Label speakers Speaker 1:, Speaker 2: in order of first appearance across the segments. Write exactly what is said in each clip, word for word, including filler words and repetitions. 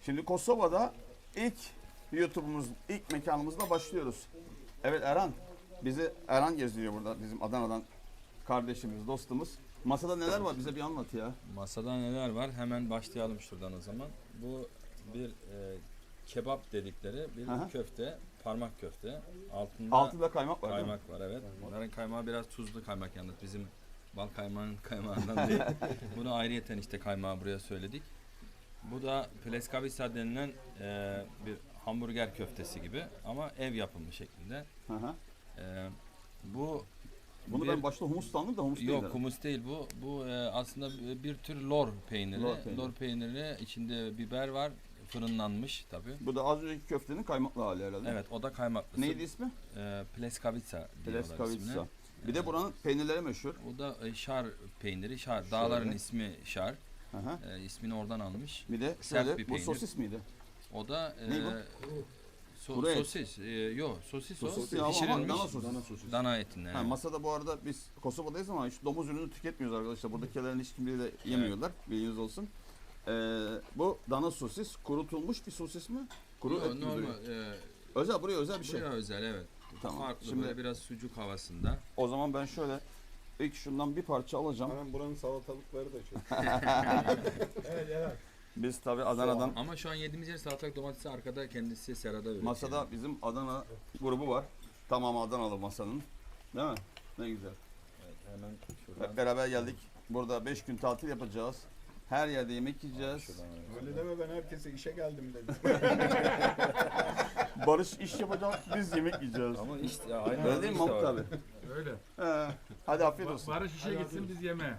Speaker 1: Şimdi Kosova'da ilk YouTube'umuz, ilk mekanımızla başlıyoruz. Evet Erhan, bizi Erhan gezdiriyor burada, bizim Adana'dan kardeşimiz, dostumuz. Masada neler var, bize bir anlat ya.
Speaker 2: Masada neler var? Hemen başlayalım şuradan o zaman. Bu bir e, kebap dedikleri bir
Speaker 1: Aha.
Speaker 2: köfte, parmak köfte. Altında
Speaker 1: Altında kaymak var değil mi?
Speaker 2: kaymak var, evet. Bunların kaymağı biraz tuzlu kaymak yalnız. Bizim bal kaymağının kaymağından değil. Bunu ayrıyeten işte kaymağı buraya söyledik. Bu da pleskavica denilen e, bir hamburger köftesi gibi ama ev yapımı şeklinde.
Speaker 1: Hı hı.
Speaker 2: E, bu
Speaker 1: Bunu
Speaker 2: bir-
Speaker 1: ben başta humus sandım da humus değil.
Speaker 2: Yok,
Speaker 1: herhalde.
Speaker 2: humus değil bu. Bu e, aslında bir tür lor peyniri.
Speaker 1: Lor
Speaker 2: Lor,
Speaker 1: peyniri.
Speaker 2: peyniri içinde biber var. Fırınlanmış tabii.
Speaker 1: Bu da az önceki köftenin kaymaklı hali herhalde.
Speaker 2: Evet, o da kaymaklısı.
Speaker 1: Neydi ismi?
Speaker 2: E, pleskavica diyorlar
Speaker 1: Pleskavica.
Speaker 2: ismine.
Speaker 1: Bir de buranın peynirleri meşhur.
Speaker 2: O da e, şar peyniri. Şar. Dağların ismi şar.
Speaker 1: Hı hı.
Speaker 2: E, ismini oradan almış.
Speaker 1: Bir de
Speaker 2: Sert
Speaker 1: şöyle,
Speaker 2: bir
Speaker 1: bu
Speaker 2: peynir.
Speaker 1: sosis miydi?
Speaker 2: O da e,
Speaker 1: Ne bu?
Speaker 2: so-
Speaker 1: Kuru et.
Speaker 2: sosis. E, yok, sosis o.
Speaker 1: Sosis ya, ama
Speaker 2: Pişirilmiş
Speaker 1: dana sosis.
Speaker 2: dana etinden.
Speaker 1: Ha,
Speaker 2: evet.
Speaker 1: masada bu arada biz Kosova'dayız ama hiç domuz ürünü tüketmiyoruz arkadaşlar. Buradakilerin hiç kimleri de yemiyorlar. Bilginiz olsun. Ee, bu dana sosis, kurutulmuş bir sosis mi? Kuru
Speaker 2: Yok,
Speaker 1: et gibi
Speaker 2: normal.
Speaker 1: duruyor.
Speaker 2: E,
Speaker 1: Özel, buraya özel bir şey.
Speaker 2: buraya özel, evet.
Speaker 1: Tamam.
Speaker 2: Farklı,
Speaker 1: Şimdi
Speaker 2: böyle biraz sucuk havasında.
Speaker 1: o zaman ben şöyle ilk şundan bir parça alacağım.
Speaker 3: Hemen buranın salatalıkları da çok.
Speaker 1: Biz tabi Adana'dan
Speaker 2: Ama şu an yediğimiz yer salatalık domatesi, arkada kendisi serada üretiyor.
Speaker 1: masada bizim Adana grubu var. Tamam, Adanalı masanın. Değil mi? Ne güzel.
Speaker 2: Evet, hemen şuradan.
Speaker 1: Hep beraber geldik. Burada beş gün tatil yapacağız. Her yerde yemek yiyeceğiz.
Speaker 2: Şuradan evet.
Speaker 3: Öyle deme, ben herkese işe geldim dedim.
Speaker 1: Barış iş yapacak, biz yemek yiyeceğiz.
Speaker 2: Ama işte ya, aynı
Speaker 1: Öyle değil mi Mahmut abi?
Speaker 4: Öyle.
Speaker 1: He. Hadi afiyet olsun.
Speaker 4: Barış işe gitsin biz yemeğe.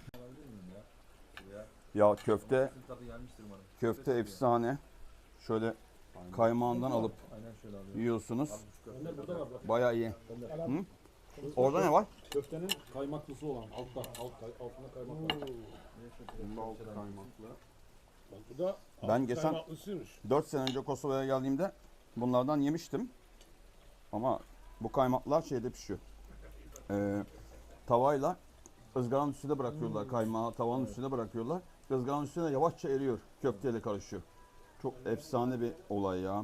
Speaker 1: Ya köfte,
Speaker 2: Tadı gelmiştir umarım.
Speaker 1: köfte efsane. Şöyle kaymağından alıp
Speaker 2: Aynen şöyle alıyorum.
Speaker 1: yiyorsunuz. Bayağı iyi. Hı? Orada ne var?
Speaker 5: Köftenin kaymaklısı olan altta, alt, kay- altında kaymak var.
Speaker 3: Bal kaymaklı.
Speaker 5: Bak bu da
Speaker 1: Ben
Speaker 5: alt
Speaker 1: geçen-
Speaker 5: kaymaklısıymış.
Speaker 1: dört sene önce Kosova'ya geldiğimde bunlardan yemiştim. Ama bu kaymaklar şeyde pişiyor. Ee, tavayla ızgaranın üstüne bırakıyorlar kaymağı, tavanın üstüne bırakıyorlar. Izgaranın üstüne yavaşça eriyor, köfteyle karışıyor. Çok efsane bir olay ya.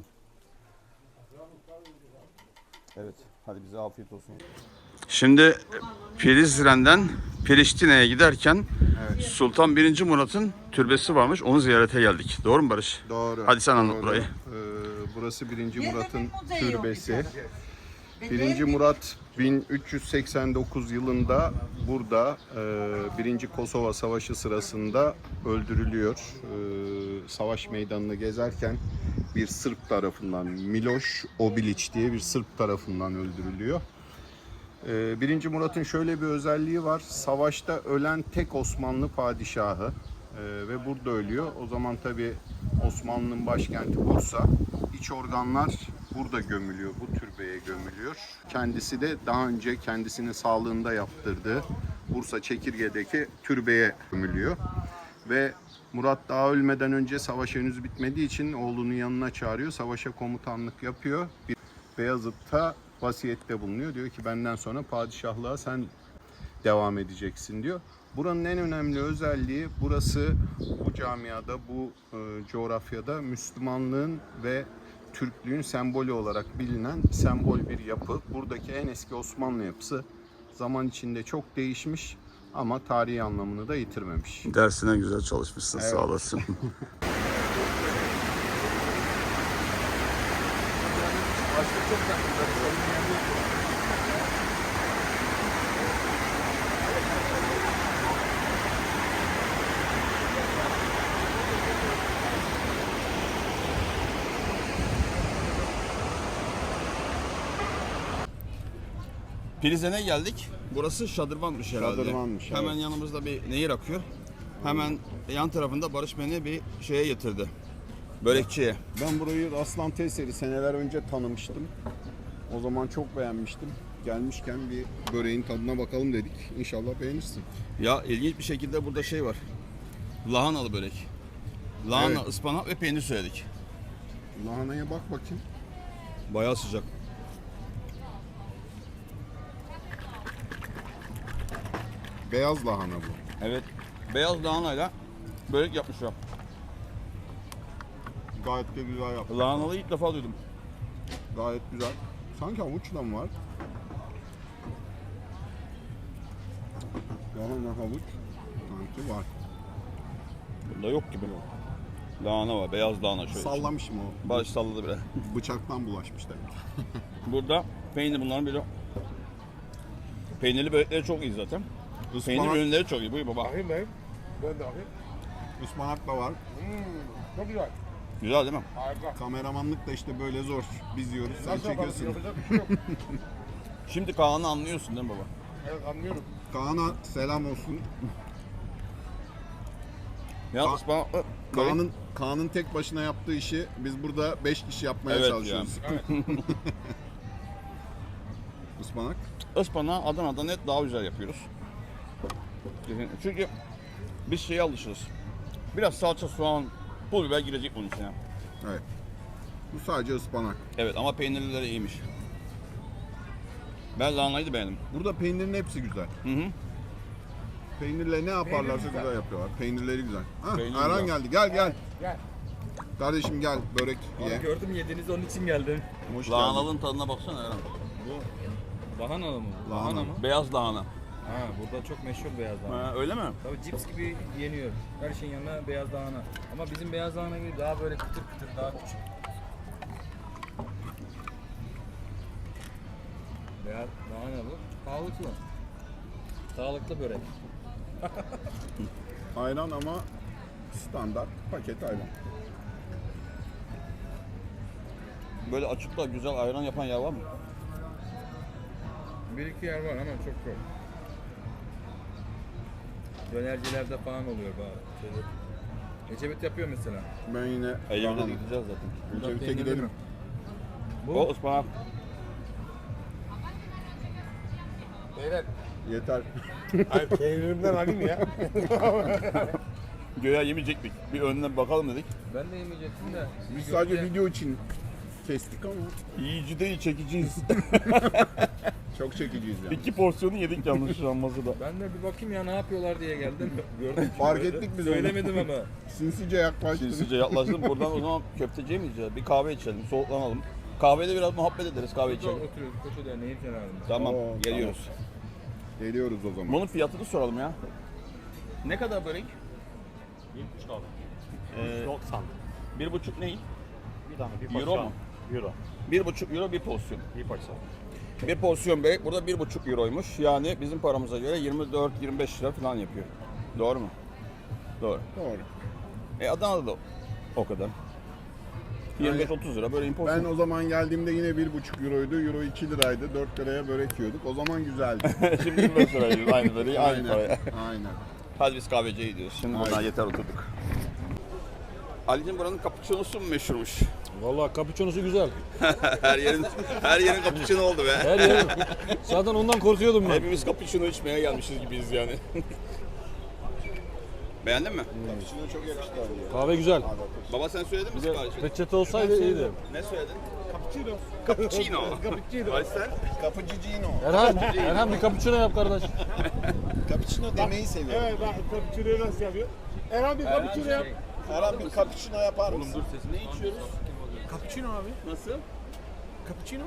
Speaker 1: Evet, hadi bize afiyet olsun. Şimdi Prizren'den Priştine'ye giderken Sultan birinci. Murat'ın türbesi varmış. Onu ziyarete geldik. Doğru mu Barış?
Speaker 3: Doğru.
Speaker 1: Hadi sen anlat
Speaker 3: doğru.
Speaker 1: burayı.
Speaker 3: Ee, burası birinci. Murat'ın türbesi. birinci. Murat bin üç yüz seksen dokuz yılında burada e, birinci. Kosova Savaşı sırasında öldürülüyor. E, savaş meydanını gezerken bir Sırp tarafından, Miloš Obilić diye bir Sırp tarafından öldürülüyor. Ee, birinci. Murat'ın şöyle bir özelliği var. Savaşta ölen tek Osmanlı padişahı Ee, ve burada ölüyor. O zaman tabi Osmanlı'nın başkenti Bursa. İç organlar burada gömülüyor, bu türbeye gömülüyor. Kendisi de daha önce kendisinin sağlığında yaptırdığı Bursa Çekirge'deki türbeye gömülüyor. Ve Murat daha ölmeden önce savaş henüz bitmediği için oğlunun yanına çağırıyor. Savaşa komutanlık yapıyor. Bir Beyazıt'ta vasiyette bulunuyor. Diyor ki benden sonra padişahlığa sen devam edeceksin diyor. Buranın en önemli özelliği, burası bu camiada, bu e, coğrafyada Müslümanlığın ve Türklüğün sembolü olarak bilinen sembol bir yapı. Buradaki en eski Osmanlı yapısı zaman içinde çok değişmiş ama tarihi anlamını da yitirmemiş.
Speaker 1: Dersine güzel çalışmışsın,
Speaker 3: Evet.
Speaker 1: sağ olasın. Prizren'e geldik. Burası Şadırvan'mış herhalde.
Speaker 3: Şadırvan'mış, evet.
Speaker 1: Hemen yanımızda bir nehir akıyor. Hemen yan tarafında Barış beni bir şeye getirdi. Börekçiye.
Speaker 3: Ben burayı Aslan Teseri seneler önce tanımıştım. O zaman çok beğenmiştim. Gelmişken bir böreğin tadına bakalım dedik. İnşallah beğenirsin.
Speaker 1: Ya ilginç bir şekilde burada şey var. Lahanalı börek. Lahana,
Speaker 3: Evet.
Speaker 1: ıspanak ve peynir söyledik.
Speaker 3: Lahanaya bak bakayım.
Speaker 1: Bayağı sıcak.
Speaker 3: Beyaz lahana bu.
Speaker 1: Evet. Beyaz lahanayla börek yapmışlar.
Speaker 3: Gayet de güzel yaptı.
Speaker 1: Lahanalı ilk defa duydum.
Speaker 3: Gayet güzel. Sanki havuç da mı var? Lahana havuç sanki var.
Speaker 1: Bunda yok gibi. Lahana var, beyaz lahana şöyle.
Speaker 3: Sallamışım o.
Speaker 1: Baş salladı bile.
Speaker 3: Bıçaktan bulaşmış demek.
Speaker 1: Burada peynir bunların biri. Peynirli börekleri çok iyi zaten. Peynir
Speaker 3: Ispanak,
Speaker 1: ürünleri çok iyi. Buyur baba.
Speaker 5: Bakayım ben. Ben de bakayım.
Speaker 3: ıspanak da var.
Speaker 5: Çok güzel.
Speaker 1: Güzel değil mi?
Speaker 5: Harika.
Speaker 3: Kameramanlık da işte böyle zor. Biz yiyoruz, sen
Speaker 5: Nasıl yaparız?
Speaker 3: çekiyorsun.
Speaker 5: Yapacak bir şey yok.
Speaker 1: Şimdi Kaan'ı anlıyorsun değil mi baba?
Speaker 5: Evet anlıyorum.
Speaker 3: Kaan'a selam olsun.
Speaker 1: Ya
Speaker 3: Ka-
Speaker 1: ıspanaklı börek.
Speaker 3: Kaan'ın Kaan'ın tek başına yaptığı işi biz burada beş kişi yapmaya
Speaker 1: Evet
Speaker 3: çalışıyoruz. Ispanak.
Speaker 1: Ispanağı Adana'da net daha güzel yapıyoruz. Çünkü biz şeye alışırız. Biraz salça, soğan, pul biber girecek bunun içine.
Speaker 3: Evet. Bu sadece ıspanak.
Speaker 1: Evet ama peynirlileri iyiymiş. Ben lahanayı da beğendim.
Speaker 3: Burada peynirin hepsi güzel.
Speaker 1: Hı hı.
Speaker 3: Peynirle ne yaparlarsa
Speaker 5: güzel.
Speaker 3: güzel yapıyorlar. Peynirleri güzel. Ha,
Speaker 1: Peynir
Speaker 3: Erhan
Speaker 1: güzel.
Speaker 3: geldi. Gel gel.
Speaker 5: Gel.
Speaker 3: Kardeşim gel börek ye.
Speaker 2: Gördüm yediniz onun için geldim.
Speaker 3: Hoş geldin.
Speaker 1: Lahanalının tadına baksana Eren.
Speaker 2: Bu lahanalı mı?
Speaker 3: Lahana.
Speaker 2: Lahana mı?
Speaker 1: Beyaz lahana.
Speaker 2: Ha, burada çok meşhur beyaz lahana.
Speaker 1: Ha, öyle mi?
Speaker 2: Tabii cips gibi yeniyor. Her şeyin yanına beyaz lahana. Ama bizim beyaz lahana gibi daha böyle kıtır kıtır, daha küçük. Beyaz lahana bu. Sağlıklı. Sağlıklı börek.
Speaker 3: Ayran ama standart paket ayran.
Speaker 1: Böyle açıkta güzel ayran yapan yer var mı?
Speaker 2: Bir iki yer var ama çok yok. Dönercilerde falan oluyor bari. Şöyle. Ecevit yapıyor mesela.
Speaker 3: Ben yine
Speaker 1: Ecevit'e
Speaker 3: lahana.
Speaker 1: gideceğiz zaten.
Speaker 3: Ecevit'e
Speaker 2: Peynirli
Speaker 3: gidelim.
Speaker 2: mi? Bu.
Speaker 1: O ıspanak.
Speaker 2: Beyler.
Speaker 3: Yeter.
Speaker 5: Hayır peynirimden alayım ya.
Speaker 1: Göğe yemeyecektik. Bir önüne bakalım dedik.
Speaker 2: Ben de yemeyecektim de.
Speaker 3: Biz
Speaker 2: Bir
Speaker 3: sadece
Speaker 2: görünce-
Speaker 3: video için kestik ama
Speaker 1: Yiyici değil, çekiciyiz.
Speaker 3: çok çekiciyiz yani.
Speaker 1: İki porsiyonu yedik yanlış masada.
Speaker 2: Ben de bir bakayım ya ne yapıyorlar diye geldim. Gördüm.
Speaker 3: Fark
Speaker 2: böyle.
Speaker 3: ettik biz onu.
Speaker 2: Söylemedim ama.
Speaker 3: Sinsice yaklaştın.
Speaker 1: Sinsice yaklaştım. Buradan o zaman köfteciye mi gideceğiz? Bir kahve içelim, soğuklanalım. Kahvede biraz muhabbet ederiz, kahve içelim.
Speaker 2: Oturuyoruz Koçu Derneği'nin kenarında.
Speaker 1: Tamam,
Speaker 3: Oo,
Speaker 1: geliyoruz.
Speaker 3: Geliyoruz o zaman.
Speaker 1: Bunun fiyatını soralım ya. Ne kadar börek?
Speaker 5: yetmiş kaldı.
Speaker 1: Ee,
Speaker 5: doksan.
Speaker 1: bir buçuk ne?
Speaker 5: Bir tane bir
Speaker 1: Euro
Speaker 5: porsiyon.
Speaker 1: mu?
Speaker 5: Euro.
Speaker 1: Bir buçuk euro bir porsiyon.
Speaker 5: Bir porsiyon.
Speaker 1: Bir porsiyon börek burada bir buçuk euroymuş. Yani bizim paramıza göre yirmi dört yirmi beş lira falan yapıyor. Doğru mu? Doğru.
Speaker 3: Doğru.
Speaker 1: E Adana'da da o kadar. yirmi beş otuz lira böyle import.
Speaker 3: Ben o zaman geldiğimde yine bir buçuk euroydu. Euro iki liraydı. dört liraya börek yiyorduk. O zaman güzeldi.
Speaker 1: Şimdi yirmi beş lira yiyoruz, aynı böreği aynı
Speaker 3: Aynen.
Speaker 1: paraya.
Speaker 3: Aynen.
Speaker 1: Hadi biz kahveciye gidiyoruz. Şimdi buradan
Speaker 3: Aynen.
Speaker 1: yeter oturduk. Ali'cim buranın cappuccino'su mu meşhurmuş?
Speaker 5: Vallahi cappuccino'su güzel.
Speaker 1: her yerin her yerin cappuccino oldu be.
Speaker 5: Her yer. Zaten ondan korkuyordum ben.
Speaker 1: Hepimiz cappuccino içmeye gelmişiz gibiyiz yani. Beğendin mi?
Speaker 3: Cappuccino çok yakıştı abi.
Speaker 5: Kahve güzel.
Speaker 1: Baba sen söyledin mi
Speaker 5: Bir de
Speaker 1: siparişi?
Speaker 5: peçete olsaydı iyiydi.
Speaker 1: Ne söyledin? Cappuccino. Cappuccino. Cappuccino. Ay sen?
Speaker 3: Cappuccino.
Speaker 5: Erhan, Erhan bir cappuccino yap kardeş.
Speaker 3: Cappuccino demeyi seviyorum.
Speaker 5: Evet bak cappuccino'yu nasıl yapıyor? Erhan bir cappuccino yap.
Speaker 3: Herhalde bir cappuccino yapar mısın?
Speaker 1: Dur sesini. Ne içiyoruz?
Speaker 5: Cappuccino abi.
Speaker 1: Nasıl?
Speaker 5: Cappuccino.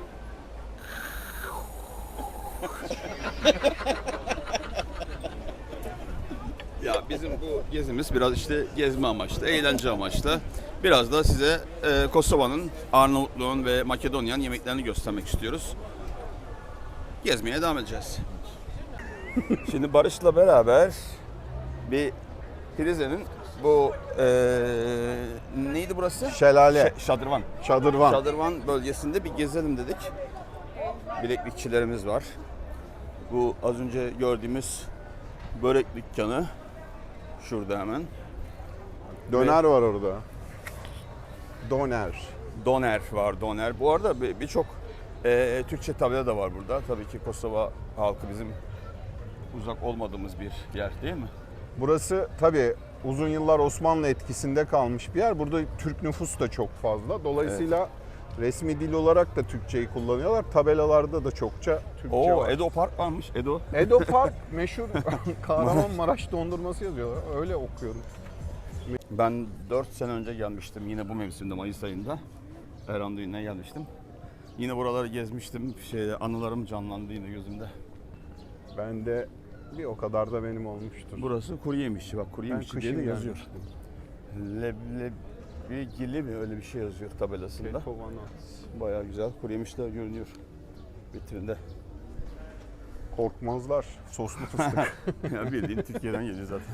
Speaker 1: Ya bizim bu gezimiz biraz işte gezme amaçlı, eğlence amaçlı. Biraz da size e, Kosova'nın, Arnavutluğun ve Makedonya'nın yemeklerini göstermek istiyoruz. Gezmeye devam edeceğiz. Şimdi Barış'la beraber bir Prize'nin bu e, neydi burası?
Speaker 3: Şelale.
Speaker 1: Ş- Şadırvan.
Speaker 3: Çadırvan.
Speaker 1: Şadırvan bölgesinde bir gezelim dedik. Bileklikçilerimiz var. Bu az önce gördüğümüz börek dükkanı şurada hemen.
Speaker 3: Döner var orada. Doner.
Speaker 1: Doner var, doner. Bu arada bir- birçok e, Türkçe tabela da var burada. Tabii ki Kosova halkı bizim uzak olmadığımız bir yer değil mi?
Speaker 3: Burası tabii uzun yıllar Osmanlı etkisinde kalmış bir yer. Burada Türk nüfus da çok fazla. Dolayısıyla resmi dil olarak da Türkçeyi kullanıyorlar. Tabelalarda da çokça Türkçe
Speaker 1: Oo,
Speaker 3: var.
Speaker 1: Edo Park varmış. Edo.
Speaker 3: Edo Park meşhur Kahramanmaraş dondurması yazıyorlar. Öyle okuyorum.
Speaker 1: Ben dört sene önce gelmiştim yine bu mevsimde Mayıs ayında. Erhan düğününe gelmiştim. Yine buraları gezmiştim. Şey, anılarım canlandı yine gözümde.
Speaker 3: Ben de bir o kadar da benim olmuştur.
Speaker 1: Burası kuru yemişçi. Bak kuru
Speaker 3: Ben
Speaker 1: yemişçi diye
Speaker 3: kışın
Speaker 1: de yazıyor.
Speaker 3: gelmiştim.
Speaker 1: Leblebigili mi öyle bir şey yazıyor tabelasında.
Speaker 3: Kekovanaz.
Speaker 1: Bayağı güzel kuru yemişler görünüyor vitrinde.
Speaker 3: Korkmazlar. Soslu fıstık.
Speaker 1: Ya bildiğin Türkiye'den geliyor zaten.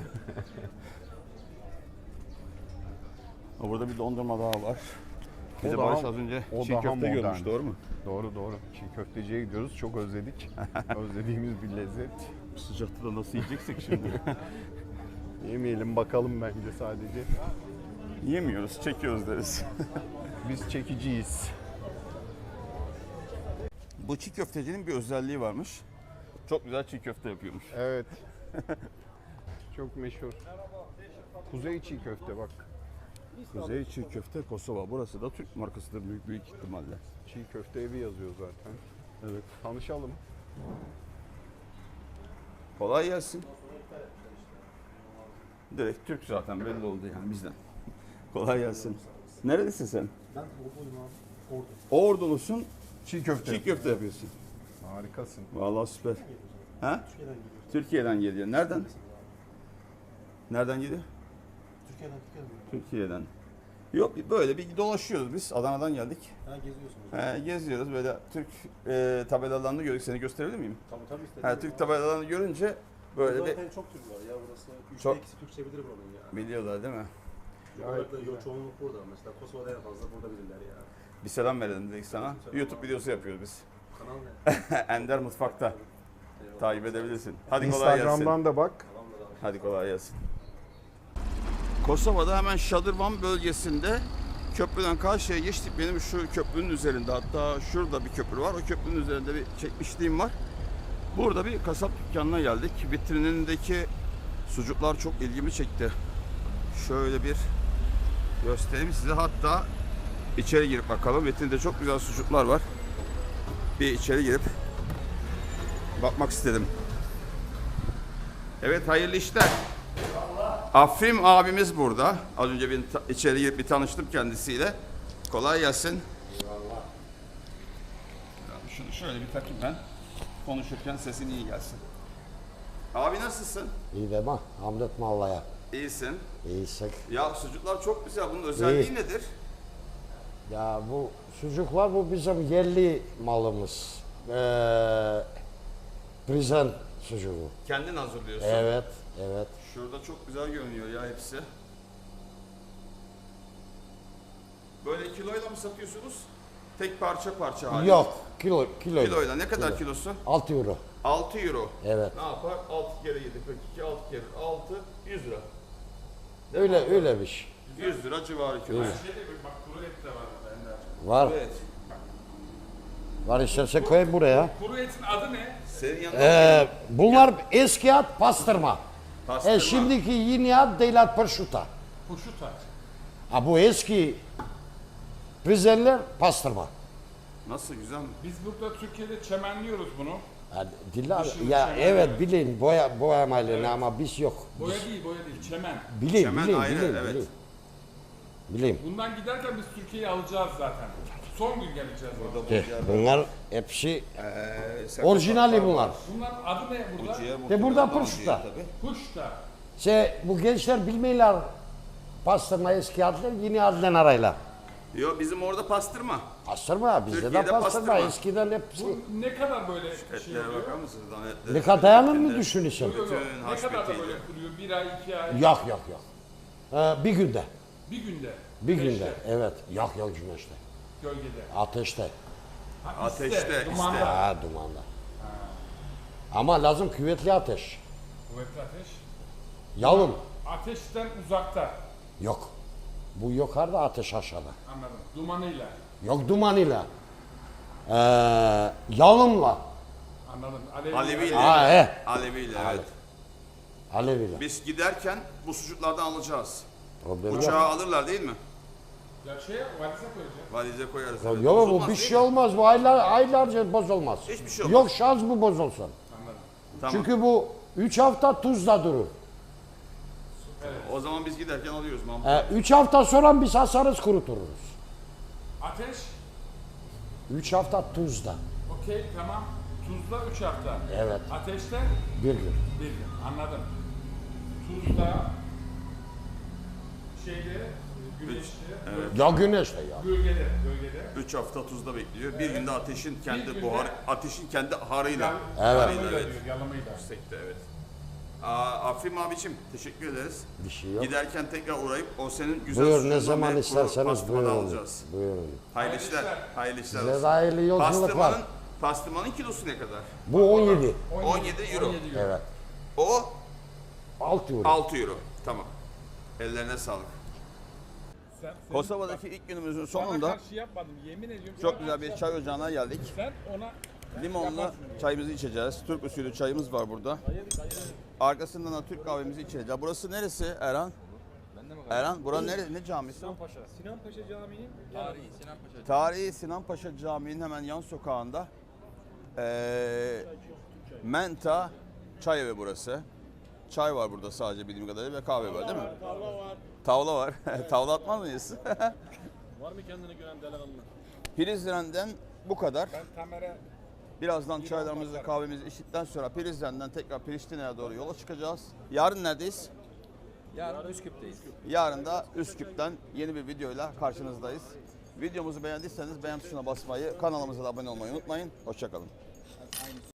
Speaker 1: Ha, burada bir dondurma daha var. Bir
Speaker 3: O
Speaker 1: de
Speaker 3: daha-
Speaker 1: Barış az önce
Speaker 3: o
Speaker 1: çiğ
Speaker 3: daha
Speaker 1: köfte
Speaker 3: modern.
Speaker 1: görmüş, doğru mu?
Speaker 3: Doğru doğru. Çiğ köfteciye gidiyoruz. Çok özledik. Özlediğimiz bir lezzet.
Speaker 1: Bu sıcakta da nasıl yiyeceksek şimdi?
Speaker 3: Yemeyelim bakalım bence sadece.
Speaker 1: Yemiyoruz, çekiyoruz deriz.
Speaker 3: Biz çekiciyiz.
Speaker 1: Bu çiğ köftecinin bir özelliği varmış. Çok güzel çiğ köfte yapıyormuş.
Speaker 3: Evet. Çok meşhur. Kuzey çiğ köfte bak.
Speaker 1: Kuzey çiğ köfte Kosova. Burası da Türk markasıdır büyük büyük ihtimalle.
Speaker 3: Çiğ köfte evi yazıyor zaten.
Speaker 1: Evet.
Speaker 3: Tanışalım.
Speaker 1: Kolay gelsin. Direkt Türk zaten belli oldu yani bizden. Kolay gelsin. Nerelisin sen?
Speaker 5: Ben Ordu'yum abi. Ordu.
Speaker 1: Ordulusun,
Speaker 3: Çiğ köfte.
Speaker 1: çiğ köfte yapıyorsun.
Speaker 3: Harikasın.
Speaker 1: Vallahi süper. Ha?
Speaker 5: Türkiye'den geliyor.
Speaker 1: Türkiye'den geliyor. Nereden? Nereden geliyor?
Speaker 5: Türkiye'den Türkiye'den geliyor.
Speaker 1: Türkiye'den. Yok böyle bir dolaşıyoruz biz. Adana'dan geldik.
Speaker 5: Ha geziyorsunuz.
Speaker 1: He, geziyoruz böyle Türk e, tabelalarını gördük. Seni gösterebilir miyim?
Speaker 5: Tabii tabii istedim.
Speaker 1: He, Türk tabelalarını görünce böyle bir
Speaker 5: Zaten çok Türk var ya burası. Üçte
Speaker 1: Çok-
Speaker 5: ikisi Türkçe bilir buranın ya.
Speaker 1: biliyorlar değil mi?
Speaker 5: Şu olarak da yo- çoğunluk burada. Mesela Kosova'da en fazla burada bilirler ya.
Speaker 1: Bir selam verelim dedik sana. YouTube videosu yapıyoruz biz.
Speaker 5: Kanal ne?
Speaker 1: Ender Mutfak'ta. Takip edebilirsin. Hadi kolay gelsin.
Speaker 3: Instagram'dan da bak.
Speaker 1: Hadi kolay gelsin. Kosova'da hemen Şadırvan bölgesinde köprüden karşıya geçtik. Benim şu köprünün üzerinde, hatta şurada bir köprü var. O köprünün üzerinde bir çekmişliğim var. Burada bir kasap dükkanına geldik. Vitrinindeki sucuklar çok ilgimi çekti. Şöyle bir göstereyim size. Hatta içeri girip bakalım. Vitrinde çok güzel sucuklar var. Bir içeri girip bakmak istedim. Evet, hayırlı işler. Afrim abimiz burada. Az önce bir ta- içeri girip bir tanıştım kendisiyle. Kolay gelsin. Eyvallah. Şunu şöyle bir takayım ben. Konuşurken sesin iyi gelsin. Abi nasılsın?
Speaker 4: İyi de bak, Hamlet Malla'ya.
Speaker 1: İyisin.
Speaker 4: İyiysek.
Speaker 1: Ya sucuklar çok güzel. Bunun özelliği
Speaker 4: İyi.
Speaker 1: nedir?
Speaker 4: Ya bu sucuklar bu bizim yerli malımız. Ee, Prizren sucuğu.
Speaker 1: Kendin hazırlıyorsun.
Speaker 4: Evet, evet.
Speaker 1: Şurada çok güzel görünüyor ya hepsi. Böyle kiloyla mı satıyorsunuz? Tek parça parça halinde.
Speaker 4: Yok, kilo, kilo.
Speaker 1: Kiloyla. Ne kadar
Speaker 4: Kilo.
Speaker 1: kilosu?
Speaker 4: altı euro.
Speaker 1: altı euro.
Speaker 4: Evet.
Speaker 1: Ne yapar? altı kere yedi, kırk iki, altı kere altı, yüz lira.
Speaker 4: Öyle öyle bir şey.
Speaker 1: yüz lira civarı kilosu.
Speaker 4: Var.
Speaker 1: Evet.
Speaker 4: Var istersen koyayım buraya.
Speaker 2: Kuru etin adı ne?
Speaker 1: Senin yanında
Speaker 4: Ee, bunlar eski ad pastırma.
Speaker 1: pastırma.
Speaker 4: E, şimdiki yeni ad deylat prosciutto.
Speaker 2: Kuşuta.
Speaker 4: Ha bu eski Prizrenler pastırma.
Speaker 1: Nasıl, güzel mi?
Speaker 2: Biz burada Türkiye'de çemenliyoruz bunu.
Speaker 4: Ya, diller,
Speaker 2: Dışını
Speaker 4: ya
Speaker 2: çemen
Speaker 4: evet bilin boya boyamayla ama biz yok.
Speaker 2: Boya değil, boya değil, çemen.
Speaker 4: Bilin,
Speaker 1: Çemen
Speaker 4: bilin,
Speaker 1: ayrı,
Speaker 4: bilin,
Speaker 1: evet.
Speaker 4: bilin. Bilin.
Speaker 2: Bundan giderken biz Türkiye'yi alacağız zaten. Son gün geleceğiz orada.
Speaker 4: De, bunlar hepsi
Speaker 1: Ee, sen-
Speaker 4: orijinali bunlar.
Speaker 2: Bunların adı ne burada?
Speaker 1: Ciğer
Speaker 4: De burada
Speaker 1: muhtemelen
Speaker 4: prosciutto.
Speaker 1: daha ciğer tabii.
Speaker 2: Kuşta.
Speaker 4: Şey, bu gençler bilmiyorlar pastırma eski adlar yeni adlan arayla.
Speaker 1: Yo, bizim orada pastırma.
Speaker 4: Pastırma bizde de
Speaker 1: Türkiye'de
Speaker 4: pastırma.
Speaker 1: pastırma.
Speaker 4: Eskiden hepsi.
Speaker 2: Bu ne kadar böyle şey
Speaker 1: Etlere
Speaker 2: oluyor?
Speaker 1: bakar mısınız? Lan etlere.
Speaker 4: Ne kadar dayanır mı
Speaker 1: Etleri.
Speaker 4: düşünüyorsun?
Speaker 2: Yok, yok.
Speaker 1: Bütün
Speaker 2: Ne
Speaker 1: haş
Speaker 2: kadar da
Speaker 1: betiyle.
Speaker 2: böyle kuruyor? Bir ay, iki ay,
Speaker 4: Yok yok yok. Ee, bir günde.
Speaker 2: bir günde.
Speaker 4: Bir
Speaker 2: Güneşte,
Speaker 4: günde. Evet. Yok yok güneşte.
Speaker 2: Gölgede.
Speaker 4: Ateşte.
Speaker 2: Ha,
Speaker 1: Ateşte, iste.
Speaker 2: dumanda.
Speaker 4: Ha dumanda. Ama lazım küvetli ateş.
Speaker 2: Kuvvetli ateş.
Speaker 4: Yalın.
Speaker 2: Ateşten uzakta.
Speaker 4: Yok. Bu yukarıda ateş aşağıda.
Speaker 2: Anladım. Dumanıyla.
Speaker 4: Yok dumanıyla. Ee, yalınla.
Speaker 2: Anladım. Alevi.
Speaker 1: Aleviyle.
Speaker 4: Ha he.
Speaker 1: Aleviyle, evet.
Speaker 4: Aleviyle.
Speaker 1: Biz giderken bu sucuklardan alacağız.
Speaker 4: Problem
Speaker 1: Uçağa
Speaker 4: yok.
Speaker 1: alırlar değil mi?
Speaker 2: Ya şey valize koyacağız.
Speaker 1: Valize koyarız.
Speaker 4: Yok
Speaker 1: evet.
Speaker 4: bu
Speaker 1: Bozulmaz
Speaker 4: bir
Speaker 1: değil
Speaker 4: şey
Speaker 1: mi?
Speaker 4: olmaz. Bu aylar, aylarca bozulmaz.
Speaker 1: Hiçbir şey olmaz.
Speaker 4: Yok şans bu bozulsun.
Speaker 2: Anladım.
Speaker 1: Tamam.
Speaker 4: Çünkü bu üç hafta tuzda durur.
Speaker 1: O zaman biz giderken alıyoruz Mahmut.
Speaker 4: E, üç hafta sonra biz asarız kuruturuz.
Speaker 6: Ateş,
Speaker 4: Üç hafta tuzda.
Speaker 6: okey tamam. Tuzda üç hafta.
Speaker 4: Evet.
Speaker 6: Ateşte
Speaker 4: Bir gün.
Speaker 6: bir gün. Anladım. Tuzda, şeyde, güneşte,
Speaker 4: Ya güneşte ya.
Speaker 6: gölgede, gölgede.
Speaker 1: üç hafta tuzda bekliyor. Bir günde ateşin kendi
Speaker 6: günde-
Speaker 1: buhar, ateşin kendi harıyla.
Speaker 6: Yal-
Speaker 4: Evet.
Speaker 1: Harıyla,
Speaker 6: Yalamayla
Speaker 1: evet.
Speaker 6: diyor, yalamayla.
Speaker 1: Yüksekte, evet. Aa, Afrim abicim teşekkür ederiz.
Speaker 4: Bir şey yok.
Speaker 1: Giderken tekrar uğrayıp o senin güzel
Speaker 4: Buyur ne
Speaker 1: sucuğundan
Speaker 4: zaman
Speaker 1: ve
Speaker 4: isterseniz
Speaker 1: pastırmanı
Speaker 4: buyurun.
Speaker 1: alacağız.
Speaker 4: Buyurun.
Speaker 1: Hayırlı işler. Hayırlı işler
Speaker 4: Size
Speaker 1: olsun.
Speaker 4: de hayırlı yolculuk var.
Speaker 1: Pastırmanın, pastırmanın kilosu ne kadar?
Speaker 4: Bu on yedi.
Speaker 1: on yedi euro.
Speaker 4: Evet.
Speaker 1: O
Speaker 4: altı euro.
Speaker 1: altı euro. Tamam. Ellerine sağlık.
Speaker 6: Sen, sen
Speaker 1: Kosova'daki ilk günümüzün
Speaker 6: bana
Speaker 1: sonunda
Speaker 6: karşı yapmadım, yemin ediyorum.
Speaker 1: çok
Speaker 6: sana
Speaker 1: güzel bir
Speaker 6: karşı
Speaker 1: çay ocağına geldik.
Speaker 6: Sen ona
Speaker 1: Limonlu
Speaker 6: yaparsın.
Speaker 1: çayımızı içeceğiz. Türk usulü çayımız var burada. Arkasından da Türk kahvemizi içeceğiz. Burası neresi Erhan? Erhan, bura nere, ne camisi?
Speaker 6: Sinan Paşa. Sinan Paşa Camii'nin
Speaker 2: Tarihi Sinan Paşa.
Speaker 1: Tarihi Sinan Paşa Camii'nin hemen yan sokağında. Ee, Menta Çay Evi burası. Çay var burada sadece bildiğim kadarıyla ve kahve var değil mi?
Speaker 5: Tavla var.
Speaker 1: Tavla var. Tavla atmaz mıyız?
Speaker 5: Var mı kendine güven delikanlı?
Speaker 1: Prizren'den bu kadar.
Speaker 6: ben Tamer'e
Speaker 1: Birazdan çaylarımızı, kahvemizi içtikten sonra Prizren'den tekrar Priştine'ye doğru yola çıkacağız. Yarın neredeyiz?
Speaker 2: Yarın Üsküp'teyiz.
Speaker 1: Yarın da Üsküp'ten yeni bir videoyla karşınızdayız. Videomuzu beğendiyseniz beğen tuşuna basmayı, kanalımıza da abone olmayı unutmayın. Hoşça kalın.